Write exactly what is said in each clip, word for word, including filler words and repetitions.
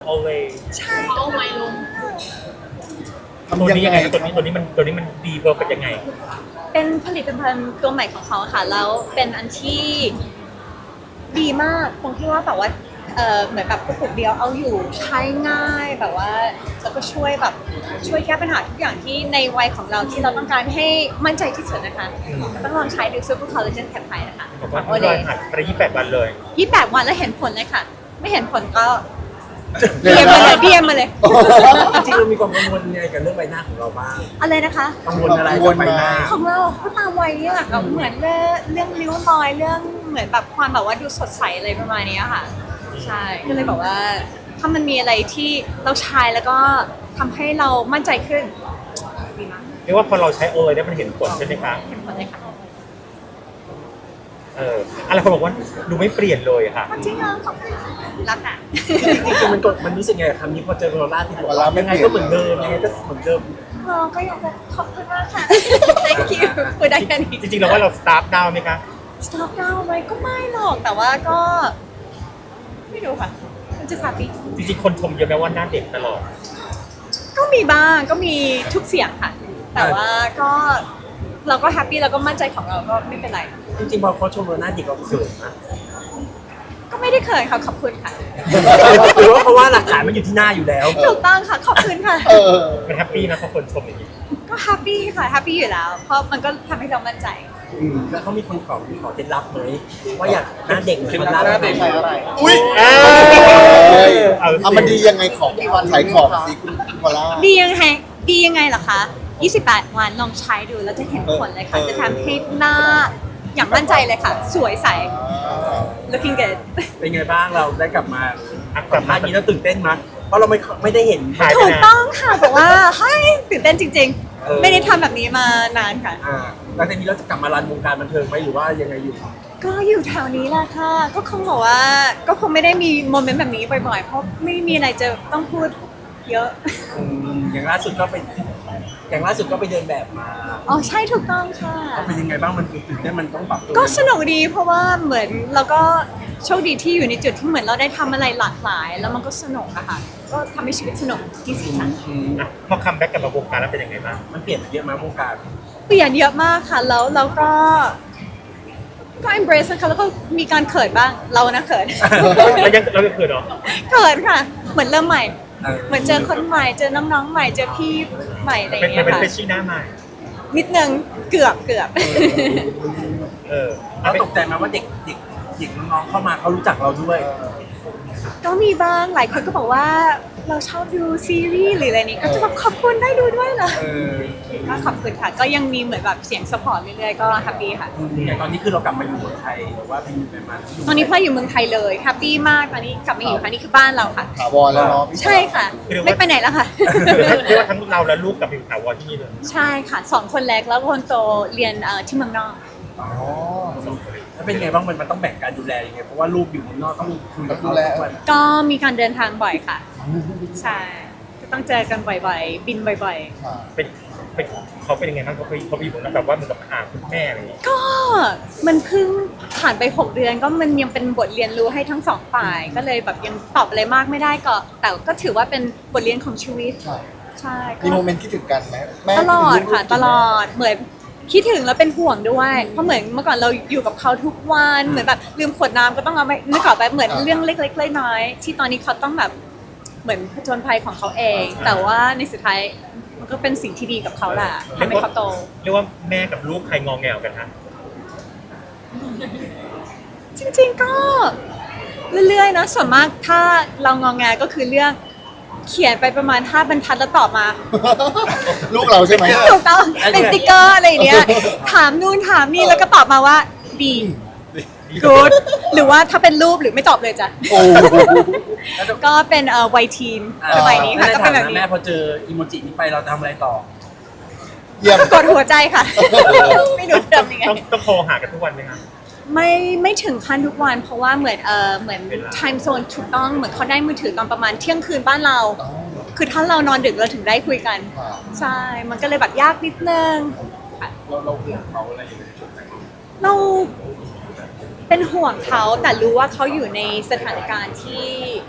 always ใช่เอาไม้ลงตัวนี้ยังไงตัวนี้ตัวนี้มันตัวนี้มันดีเวิร์กกันยังไงเป็นผลิตภัณฑ์ตัวใหม่ของเขาค่ะแล้วเป็นอันที่ดีมากตรงที่ว่าแบบว่าเออเหมือนแบบกระปุกเดียวเอาอยู่ใช้ง่ายแบบว่าแล้วก็ช่วยแบบช่วยแก้ปัญหาทุกอย่างที่ในวัยของเราที่เราต้องการให้มั่นใจที่สุดนะคะต้องลองใช้ดูซูเปอร์คอลลาเจนแคปไทนะคะบอกว่าลอยหัดไปยี่สิบแปดวันเลยยี่สิบแปดวันแล้วเห็นผลเลยค่ะไม่เห็นผลก็เดียมมาเลยเดียมมาเลยจริงๆเรามีความกังวลยังไงกับเรื่องใบหน้าของเราบ้างอะไรนะคะกังวลอะไรกับใบหน้าของเราก็ตามวัยนี่แหละค่ะเหมือนเรื่องเรื่องริ้วรอยเรื่องเหมือนแบบความแบบว่าดูสดใสอะไรประมาณนี้ค่ะใช่ก็เลยบอกว่าถ้ามันมีอะไรที่เราใช้แล้วก็ทำให้เรามั่นใจขึ้นดีมากเรียกว่าพอเราใช้โอเลยได้มันเห็นผลใช่ไหมคะเห็นผลเลยค่ะเอออะไรคนบอกว่าดูไม่เปลี่ยนเลยค่ะจริงเหรอขอบคุณรักอ่ะจริงๆมันกดมันรู้สึกไงคำนี้พอเจอโรล่าที่บอกว่ายังไงก็เหมือนเดิมยังไงก็เหมือนเดิมเราก็อยากจะขอบคุณมากค่ะ thank you พูดได้แค่นี้จริงๆเราว่าเราสตาร์ทดาวไหมคะ stop ดาวไหมก็ไม่หรอกแต่ว่าก็ไม่รู้ค่ะมันจะสาปีจริงๆคนชมเยอะไหมว่าหน้าเด็กตลอดก็มีบ้างก็มีทุกเสียงค่ะแต่ว่าก็เราก็แฮปปี้แล้วก็มั่นใจของเราก็ไม่เป็นไรจริงๆพอเขาชมเราหน้าเด็กเราเขินนะก็ไม่ได้เคยค่ะขอบคุณค่ะหรือว่าเพราะว่าหลักฐานมันอยู่ที่หน้าอยู่แล้วถูกต้องค่ะขอบคุณค่ะมันแฮปปี้นะพอคนชมอย่างนี้ก็แฮปปี้ค่ะแฮปปี้อยู่แล้วเพราะมันก็ทำให้เรามั่นใจแล้วเขามีคนขอขอเคล็ดลับไหมว่าอยากหน้าเด็กเคล็ดลับหน้าเด็กใช้อะไรอุ้ยเอามันดียังไงของขายของสิคุณวลาดียังไงดียังไงล่ะคะยี่สิบแปดวันลองใช้ดูแล้วจะเห็นผลเลยค่ะจะทำให้หน้าอย่างมั่นใจเลยค่ะสวยใส looking good เป็นไงบ้างเราได้กลับมาสัมภาษณ์นี้แล้วตื่นเต้นมั้ยเพราะเราไม่ไม่ได้เห็นถูกต้องค่ะแต่ว่าเฮ้ยตื่นเต้นจริงๆไม่ได้ทำแบบนี้มานานค่ะหลังจากนี้เราจะกลับมารันวงการบันเทิงไหมหรือว่ายังไงอยู่ก็อยู่แถวนี้แหละค่ะก็คงบอกว่าก็คงไม่ได้มีโมเมนต์แบบนี้บ่อยๆเพราะไม่มีอะไรจะต้องพูดเยอะอย่างล่าสุดก็ไปอย่างล่าสุดก็ไปเดินแบบมาอ๋อใช่ถูกต้องค่ะเป็นยังไงบ้างมันตื่นเต้นมันต้องปรับตัวก็สนุกดีเพราะว่าเหมือนเราก็โชคดีที่อยู่ในจุดที่เหมือนเราได้ทำอะไรหลากหลายแล้วมันก็สนุกอะค่ะก็ทำให้ชีวิตสนุกที่สุดค่ะพอคัมแบ็กกลับมาวงการแล้วเป็นยังไงบ้างมันเปลี่ยนเยอะมากวงการเปลี่ยนเยอะมากค่ะแล้วเราก็ก็ embrace นะคะแล้วก็มีการเขินบ้างเรานะเขินเรายังเรายังเขินเหรอเขินค่ะเหมือนเริ่มใหม่เหมือนเจอคนใหม่เจอน้องๆใหม่เจอพี่ใหม่อะไรอย่างเงี้ยค่ะเป็นเฟชชี่หน้าใหม่นิดนึงเกือบเกือบเออเราตกใจไหมว่าเด็กเด็กเด็กน้องๆเข้ามาเขารู้จักเราด้วยก็มีบ้างหลายคนก็บอกว่าเราชอบดูซีรีส์หรืออะไรนี้ก็จะแบบขอบคุณได้ดูด้วยเหรอก็ขอบคุณค่ะก็ยังมีเหมือนแบบเสียงสปอร์ตเรื่อยๆก็แฮปปี้ค่ะอย่างตอนนี้คือเรากลับมาอยู่เมืองไทยหรือว่าไปอยู่ประมาณตอนนี้พ่ออยู่เมืองไทยเลยแฮปปี้มากตอนนี้กลับมาอยู่ค่ะนี่คือบ้านเราค่ะถาวรแล้วเนาะใช่ค่ะไม่ไปไหนแล้วค่ะเรียกว่าทั้งเราและลูกกลับมาอยู่ถาวรที่นี่เลยใช่ค่ะสองคนแรกแล้วคนโตเรียนที่เมืองนอกอ๋อแล้วเป็นไงบ้างมันมันต้องแบ่งการดูแลยังไงเพราะว่าลูกอยู่เมืองนอกต้องคุยกับดูแลก็มีการเดินทางบ่อยค่ะใช่ก็ต้องเจอกันบ่อยๆบินบ่อยๆเป็นเป็นเขาเป็นยังไงบ้างเขาไปเขาไปอยู่นะแบบว่าเหมือนกับหาคุณแม่อะไรอย่างเงี้ยก็มันเพิ่งผ่านไปหกเดือนก็มันยังเป็นบทเรียนรู้ให้ทั้งสองฝ่ายก็เลยแบบยังตอบอะไรมากไม่ได้ก็แต่ก็ถือว่าเป็นบทเรียนของชีวิตใช่มีโมเมนต์คิดถึงกันไหมตลอดค่ะตลอดเหมือนคิดถึงแล้วเป็นห่วงด้วยเพราะเหมือนเมื่อก่อนเราอยู่กับเขาทุกวันเหมือนแบบลืมขวดน้ำก็ต้องเอาไปนึกออกไปเหมือนเรื่องเล็กๆน้อยๆที่ตอนนี้เขาต้องแบบเหมือนผจญภัยของเขาเองแต่ว่าในสุดท้ายมันก็เป็นสิ่งที่ดีกับเขาแหละทำให้เขาโตเรียกว่าแม่กับลูกใครงอแงกันฮะจริงๆก็เรื่อยๆนะส่วนมากถ้าเรางอแงก็คือเรื่องเขียนไปประมาณห้าบรรทัดแล้วตอบมาลูกเราใช่ไหมถูกต้องเป็นสติ๊กเกอร์อะไรอย่างเงี้ยถามนู่นถามนี่แล้วก็ตอบมาว่าดีgood หรือว่าถ้าเป็นรูปหรือไม่ตอบเลยจ้ะก็เป็นเอ่อวัยทีนสมัยนี้ค่ะก็เป็นแบบนี้แม่พอเจออีโมจินี้ไปเราทำอะไรต่อเยี่ยมกดหัวใจค่ะไม่รู้จะทำยังไงต้องโทรหากันทุกวันไหมคะไม่ไม่ถึงขั้นทุกวันเพราะว่าเหมือนเออเหมือน time zone ถูกต้องเหมือนเขาได้มือถือตอนประมาณเที่ยงคืนบ้านเราคือถ้าเรานอนดึกเราถึงได้คุยกันใช่มันก็เลยแบบยากนิดนึงเราเราห่วงเขาอะไรอย่างเงี้ยเราเป็นห่วงเขาแต่รู้ว่าเขาอยู่ในสถานการณ์ที่ป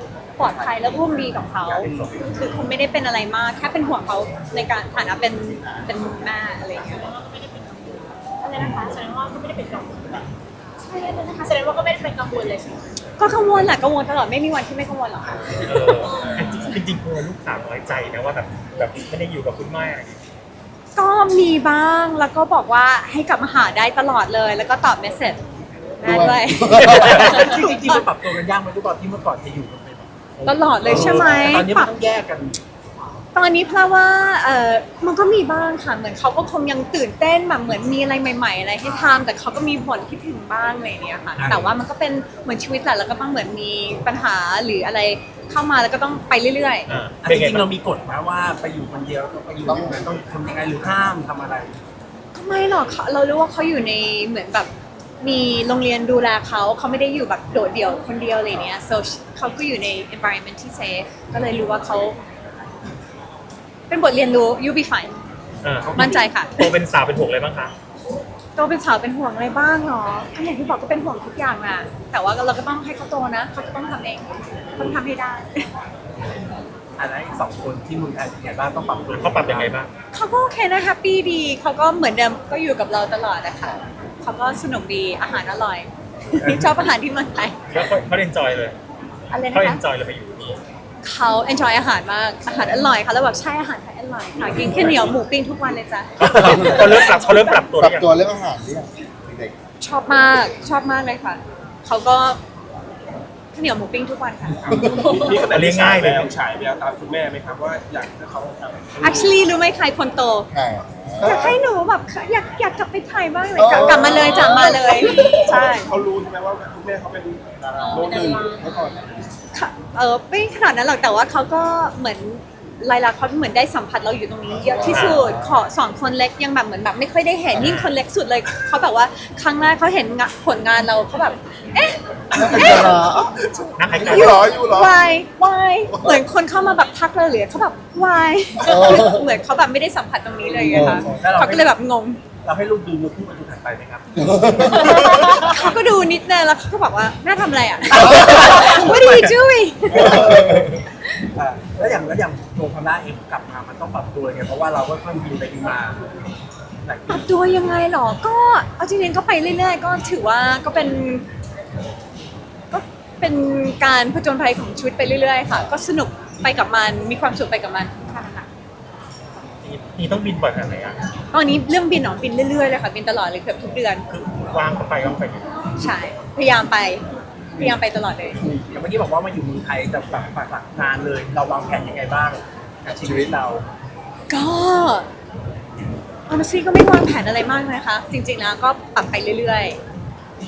ปลอดภัยและร่วมดีกับเขาคือคงไม่ได้เป็นอะไรมากแค่เป็นห่วงเขาในการฐานะเป็นเป็นแม่อะไรอย่างเงี้ยอะไรนะคะแสดงว่าก็ไม่ได้เป็นกังวลใช่เลยนะคะแสดงว่าก็ไม่ได้เป็นกังวลเลยใช่ไหมก็กังวลแหละกังวลตลอดไม่มีวันที่ไม่กังวลหรอกค่ะเออจริงๆกลัวลูกสาวน้อยใจนะว่าแบบแบบไม่ได้อยู่กับคุณแม่อะไรอย่างเงี้ยก็มีบ้างแล้วก็บอกว่าให้กลับมาหาได้ตลอดเลยแล้วก็ตอบเมสเซจได้ด้วยจริงๆที่มันปรับตัวกันยากไหมทุกตอนที่เมื่อก่อนจะอยู่กันเป็นแบบตลอดเลยใช่ไหมตอนนี้มันต้องแยกกันตอนนี้เพราะว่าเออมันก็มีบ้างค่ะเหมือนเขาก็คงยังตื่นเต้นแบบเหมือนมีอะไรใหม่ๆอะไรให้ทำแต่เขาก็มีผลคิดถึงบ้างอะไรอย่างเนี้ยค่ะแต่ว่ามันก็เป็นเหมือนชีวิตแหละแล้วก็ต้องเหมือนมีปัญหาหรืออะไรเข้ามาแล้วก็ต้องไปเรื่อยอ่าอันเป็นจไงริงๆบ้าเรางมีกฎไหมว่าไปอยู่คนเดียวต้องไปอยู่ที่ไหนต้องทำยังไงหรือห้ามทำอะไรๆก็ไม่หรอกเขาเรารู้ว่าเขาอยู่ในเหมือนแบบมีโรงเรียนดูแลเขาเขาไม่ได้อยู่แบบโดดเดี่ยวคนเดียวอะไรเนี้ย so เขาก็อยู่ใน environment ที่ safe ก็เลยรู้ว่าเขาเป็นบทเรียนรู้ you be fine อ่ามั่นใจค่ะโตเป็นสาวเป็นห่วงอะไรบ้างคะโตเป็นสาวเป็นห่วงอะไรบ้างเนาะก็อย่างที่บอกก็เป็นห่วงทุกอย่างอะแต่ว่าเราก็ต้องให้เขาโตนะเขาจะต้องทำเองต้องทำให้ได้อันนั้นอีกสองคนที่เมืองไทยเป็นไงบ้างต้องปรับตัวเขาปรับยังไงบ้างเขาก็โอเคนะแฮปปี้ดีเขาก็เหมือนเดิมก็อยู่กับเราตลอดนะคะเขาก็สนุกดีอาหารอร่อย ชอบอาหารที่เมืองไทยแล้วเขาเขาเอนจอยเลยอะไรนะเขาเอคะนจอยเลยไปอยู่ที่นี่เขา enjoy อาหารมากอาหารอร่อยค่ะแล้วแบบใช่อาหารไทยอร่อยค่ะกินแค่เหนียวหมูปิ้งทุกวันเลยจ้ะเขาเริ่มปรับเขาเริ่มปรับตัวปรับหรือยังตัวเรื่องอาหารหรือยังเด็กชอบมากชอบมากเลยค่ะเขาก็ข้าวเหนียวหมูปิ้งทุกวันค่ะนี่ขนาดเลี้ยงง่ายเลยแววฉายแววตามคุณแม่ไหมครับว่าอยากให้เขาทำ actually รู้ไหมใครคนโตๆใช่อยากให้หนูแบบอยากอยากกลับไปไทยบ้างเลยกลับกลับมาเลยจากมาเลยใช่เขารู้ใช่ไหมว่าคุณแม่เขาเป็นดาราโน้ตหนึ่งเมื่อก่อนค่ะเออไม่ขนาดนั้นหรอกแต่ว่าเขาก็เหมือนลายลักษณ์เขาเหมือนได้สัมผัสเราอยู่ตรงนี้เยอะที่สุดขอสองคนเล็กยังแบบเหมือนแบบไม่ค่อยได้เห็นยิ่งคนเล็กสุดเลยเขาแบบว่าครั้งแรกเขาเห็นงะผลงานเราเขาแบบเอ๊ะแล้วเป็นดารานักใครอยู่เหรออยู่เหรอ why why เหมือนคนเข้ามาแบบทักเราเหลือเขาแบบ why เออเหมือนเขาแบบไม่ได้สัมผัสตรงนี้เลยไงคะแล้วเราเขาก็เลยแบบงงเราให้ลูกดูมือคู่ประตูถัดไปไหมครับเขาก็ดูนิดนึงแล้วเขาก็บอกว่าแม่ทำอะไรอ่ะ What are you doing อ่าแล้วอย่างแล้วอย่างตัวพม่าเองกลับมามันต้องปรับตัวไงเพราะว่าเราก็ค่อยบินไปบินมาหลายปปีรับตัวยังไงหรอ ก็เอาจริงๆก็ไปเรื่อยๆ ก็ถือว่าก็เป็น ก็เป็นการผจญภัยของชีวิตไปเรื่อยๆ ค่ะ ก็สนุกไปกับมัน มีความสุขไปกับมันค่ะนี่ต้องบินบ่อยขนาดไหนอ่ะตอนนี้เรื่องบินหนอบินเรื่อยๆ เลยค่ะ บินตลอดเลยเกือบทุกเดือนคือวางก็ไปวางไปอยู่ใช่ พยายามไป พยายามไปตลอดเลยอย่างเมื่อกี้บอกว่ามาอยู่เมืองไทยจะแบบปักหลักนานเลย เราวางแผนยังไงบ้างกับชีวิตเราก็อ honestly ก็ไม่วางแผนอะไรมากนะคะ จริงๆ แล้วก็ปรับไปเรื่อยๆ ใช่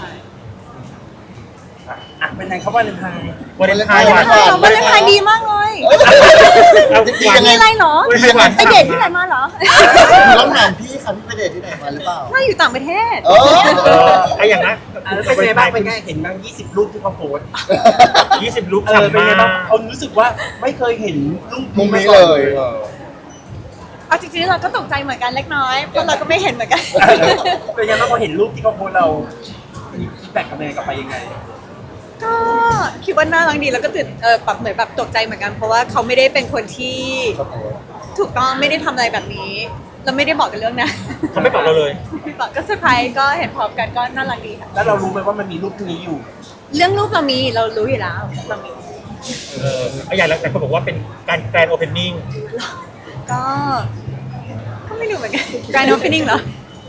อ่ะเป็นไงครับว่าเลนไทน์วันเลนไทน์วัวัน นเลนไทน์วันเลนไทน์ดีมากเลยเอาดีวางยังไงมีอะไรเหรอวันเลนไทน์ไปเดทที่ไหนมาเหรอต้องถามพี่ค่ะพี่ไปเดทที่ไหนมาหรือเปล่าถ้าอยู่ต่างประเทศเอเอออไอ้อย่างนั้นอ่ะแล้วเป็นไงบ้างเป็นไงเห็นบ้างยี่สิบรูปที่เขาโพสต์ยี่สิบลุกเออเป็นทำไงมาบ้างเขารู้สึกว่าไม่เคยเห็นรูปมุมนี้าก่เลอนยเออเอาจริงๆเราก็ตกใจเหมือนกันเล็กน้อย เพราะเราก็ไม่เห็นเหมือนกันเป็นไงบ้างพอเห็นรูปที่เขาโพสต์เรามีฟีดแบ็กกลับมายังไงกลับไปยังไงก็คิดว่าน่ารักดีแล้วก็ตื่นเออแบบเหมือนแบบตกใจเหมือนกัน เพราะว่าเขาไม่ได้เป็นคนที่ครับผมถูกต้องไม่ได้ทำอะไรแบบนี้ เราไม่ได้บอกกันเรื่องนะเขาไม่บอกเราเลยไม่บอกก็เซอร์ไพรส์ก็เห็นพร้อมกันก็น่ารักดีค่ะแล้วเรารู้ไหมว่ามันมีรูปนี้อยู่เรื่องรูปเรามีเรารู้อยู่แล้วเรามีเออไอ้อย่างแล้วแต่คนบอกว่าเป็นการแกรนด์โอเพนนิ่งก็ก็ไม่รู้เหมือนกัน grand opening เหรอ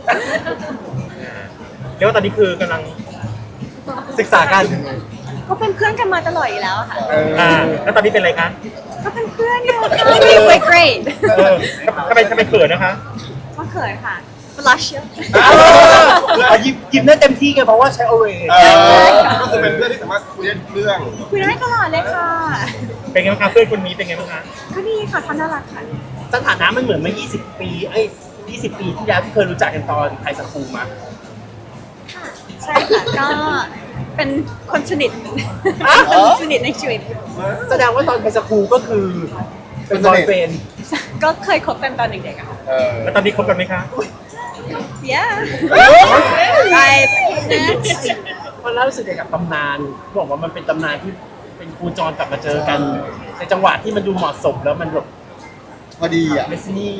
เรียกว่าตอนนี้คือกำลังศึกษากันก็เป็นเพื่อนกันมาตลอดอยู่แล้วอะค่ะอ่าแล้วตอนนี้เป็นอะไรคะก็เป็นเพื่อนอยู่ค่ะ we're great เออทำไมทำไมเขินนะคะก็เขินค่ะ blush เยอะเอายิ้มยิ้มได้เต็มที่ไงเพราะว่าใช้โอเวเออก็คือเป็นเพื่อนที่สามารถคุยได้ทุกเรื่องคุยได้ตลอดเลยค่ะเป็นไงบ้างคะเพื่อนคนนี้เป็นไงบ้างคะก็ดีค่ะเขาน่ารักค่ะสถานะมันเหมือนเมื่อยี่สิบปีเอ้ยยี่สิบปีที่แล้วที่เคยรู้จักกันตอนไทยสคูลมาค่ะใช่ค่ะก็เป็นคนสนิทคนสนิทในชีวิตแสดงว่าตอนไทยสคูลก็คือเป็นบอยเฟนก็เคยคบกันตอนเด็กๆอะค่ะเออแล้วตอนนี้คบกันไหมคะ yeah ใช่ next มันเล่ารู้สึกยังไงกับตำนานบอกว่ามันเป็นตำนานที่เป็นครูจรกลับมาเจอกัน ในจังหวะที่มันดูเหมาะสมแล้วมันแบบพอดีอ่ะเดสนี่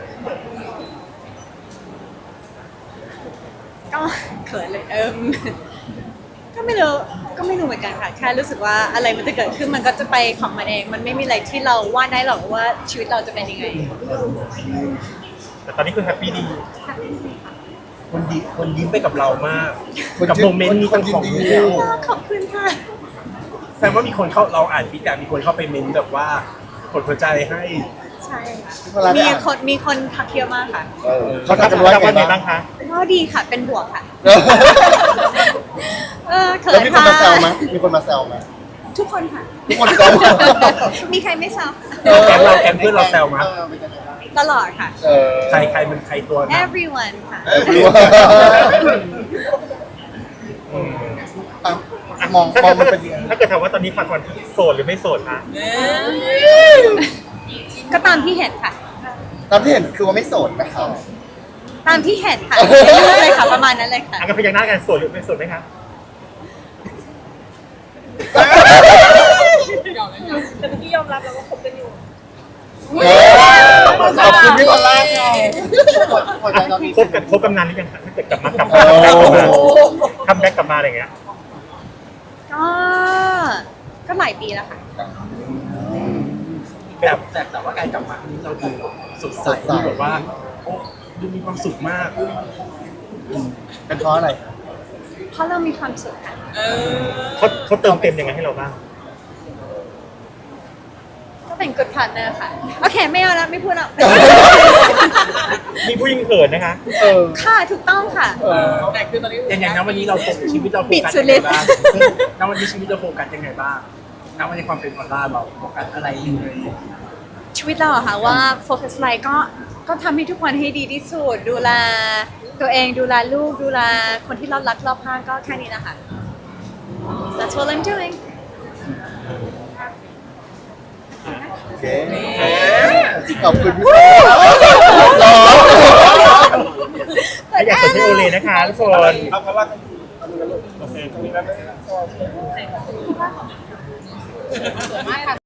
ก็เขินเลยเอิมก็ไม่รู้ก็ไม่รู้เหมือนกันค่ะแค่รู้สึกว่าอะไรมันจะเกิดขึ้นมันก็จะไปของมันเอง มันไม่มีอะไรที่เราวาดได้หรอกว่าชีวิตเราจะเป็นยังไงแต่ตอนนี้คือแฮปปี้ดีคนดีคนยิ้มไปกับเรามากคนกับยิ้มโมเมนต์นี้คนยิ้มของดีเดียวขอบคุณค่ะแสดงว่ามีคนเข้าเราอ่านฟีดแบ็กมีคนเข้าไปเมนต์แบบว่ากดหัวใจให้ใช่ค่ะเวลาได้มีอ่านคนมีคนทักเยอะมากค่ะเออเขาทักกันว่าว่าไงไงบ้าบ้าง งคะก็ดีค่ะเป็นบวกค่ะเออเออเขิแล้วนมีคนค่ะมาแซวไหมมีคนมาแซวไหมทุกคนค่ะทุกคนแซวมีใครไม่แซวเออแกงเราแกงเพื่อนเราแซวมั้ยเออเป็นยังไงบ้างตลอดค่ะเออใครใครมันใครตัวนะ everyone ค่ะเออรู้ว่าอ่ะมองมองมันเป็นยังไงถ้าเกิดถามว่าตอนนี้ปันปันโสดหรือไม่โสดคะก็ตามที่เห็นค่ะตามที่เห็นคือว่าไม่โสดนะครับตามที่เห็นค่ะเรื่อยๆเลยค่ะประมาณนั้นเลยค่ะอันกันพยักหน้ากันโสดหรือไม่โสดไหมคะแต่เมื่อกี้ยอมรับแล้วว่าคบกันอยู่เออขอบคุณพี่บอลล่าค่ะหัวใจตอนนี้คบกันคบกันนานหรือยังคะถ้าเกิดกลับมากลับโอ้มาคัมแบ็กกลับมาอะไรอย่างเงี้ยก็ก็หลายปีแล้วค่ะแบบแต่แต่ว่าการกลับมาครั้งนี้เราดูสดใสดูแบบว่าโอ้ดูมีความสุขมากเป็นเพราะอะไรเพราะเรามีความสุขค่ะเขาเขาเติมเต็มยังไงให้เราบ้างก็เป็น good partner ค่ะ โอเค ไม่เอาแล้วไม่พูดแล้วมีผู้หญิงเขินนะคะเออค่ะถูกต้องค่ะเอออย่างอย่างนั้นวันนี้เราโฟกัสชีวิตเราโฟปิดกัสสุยัดงฤไงทธิ์บ้างณวันนี้ชีวิตเราโฟกัสยังไงบ้างณวันนี้ความเป็นออนไลน์เราโฟกัสอะไรยังไงชีวิตเราอะค่ะว่าโฟกัสอะไรก็ก็ทำให้ทุกคนให้ดีที่สุด ดูแลตัวเองดูแลลูกดูแลคนที่เรารักรอบข้างก็แค่นี้นะคะ That's what I'm doing โอเคขอบคุณพี่บอลรออยากสนใจโอเลนะคะทุกคนเอาเพราะว่าโอเคตรงนี้แล้วไม่